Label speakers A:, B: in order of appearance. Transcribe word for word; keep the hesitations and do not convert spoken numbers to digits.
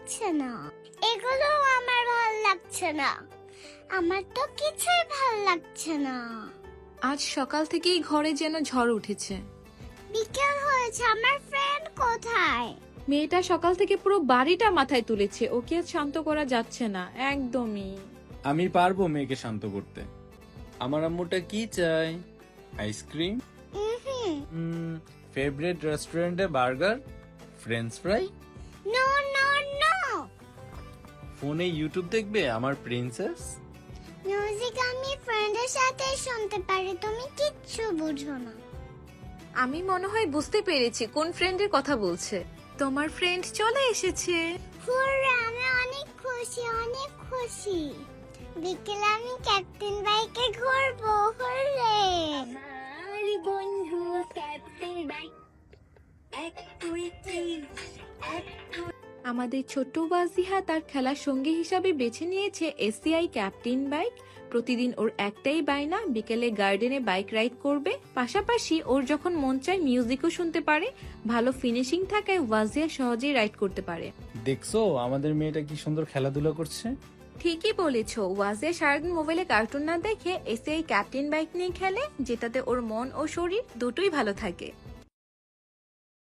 A: লাগছে না, এগুলো আমার ভাল লাগছে না, আমার তো কিছুই ভাল লাগছে না।
B: আজ সকাল থেকেই ঘরে যেন ঝড় উঠেছে।
A: বিকেল হয়েছে, আমার ফ্রেন্ড কোথায়?
B: মেয়েটা সকাল থেকে পুরো বাড়িটা মাথায় তুলেছে, ওকে আজ শান্ত করা যাচ্ছে না একদমই।
C: আমি পারবো মেয়েকে শান্ত করতে। আমার আম্মুটা কি চাই? আইসক্রিম,
A: হুম,
C: ফেভারিট রেস্টুরেন্টে burger, french fry,
A: no no no,
C: ফোনে ইউটিউব দেখবে আমার প্রিন্সেস।
A: মিউজিক আমি ফ্রেন্ডের সাথে শুনতে পারি, তুমি কিচ্ছু বুঝো না।
B: আমি মনে হয় বুঝতে পেরেছি কোন ফ্রেন্ডের কথা বলছে। তোমার ফ্রেন্ড চলে এসেছে।
A: হুররে, আমি অনেক খুশি, অনেক খুশি। বিকেলে আমি ক্যাপ্টেন বাইকে ঘুরবো, হুররে। আমার বন্ধু ক্যাপ্টেন বাইক, এক দুই তিন, এক দুই।
B: আমাদের ছোট্ট ওয়াজিহা তার খেলার সঙ্গী হিসাবে বেছে নিয়েছে এসিআই ক্যাপ্টেন বাইক। প্রতিদিন ওর একটাই বায়না, বিকেলে গার্ডেনে বাইক রাইড করবে। পাশাপাশি ওর যখন মন চায় মিউজিকও শুনতে পারে। ভালো ফিনিশিং থাকায় ওয়াজিহা সহজেই রাইড করতে পারে।
C: দেখছো আমাদের মেয়েটা কি সুন্দর খেলাধুলা করছে।
B: ঠিকই বলেছো, ওয়াজিয়া সারাদিন মোবাইলে কার্টুন না দেখে এসিআই ক্যাপ্টেন বাইক নিয়ে খেলে, যেটাতে ওর মন ও শরীর দুটোই ভালো থাকে।